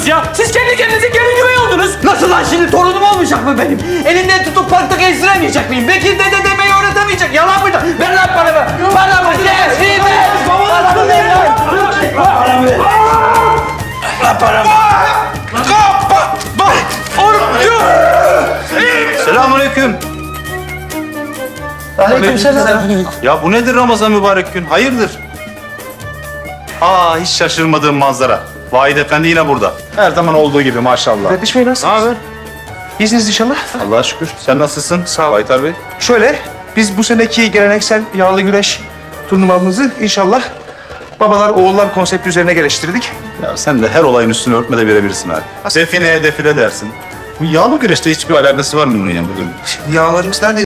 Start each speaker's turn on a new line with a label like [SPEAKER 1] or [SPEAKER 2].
[SPEAKER 1] ya? Siz kendi kendinize gelin güvey oldunuz.
[SPEAKER 2] Nasıl lan şimdi torunum olmayacak mı benim? Elimden tutup parkta gezdiremeyecek miyim? Bekir dede demeyi öğretemeyecek. Yalan mıydı? Ver lan paramı. Paramı ver. Paramı ver lan. Paramı.
[SPEAKER 3] Selamünaleyküm.
[SPEAKER 2] Aleykümselam.
[SPEAKER 3] Ya bu nedir Ramazan mübarek gün? Hayırdır? Aa, hiç şaşırmadığım manzara. Vahid Efendi yine burada. Her zaman olduğu gibi maşallah.
[SPEAKER 4] Kardeş Bey nasılsınız?
[SPEAKER 3] Ne haber?
[SPEAKER 4] İyisiniz inşallah.
[SPEAKER 3] Allah'a şükür. Sen nasılsın? Sağ ol. Baytar Bey.
[SPEAKER 4] Şöyle, biz bu seneki geleneksel yağlı güreş turnuvamızı inşallah babalar oğullar konsepti üzerine geliştirdik.
[SPEAKER 3] Ya sen de her olayın üstünü örtmede verebilirsin abi. Define defile dersin. Bu yağlı güreşte hiçbir alakası var mı bunun yanında?
[SPEAKER 4] Yağlarımız nerede?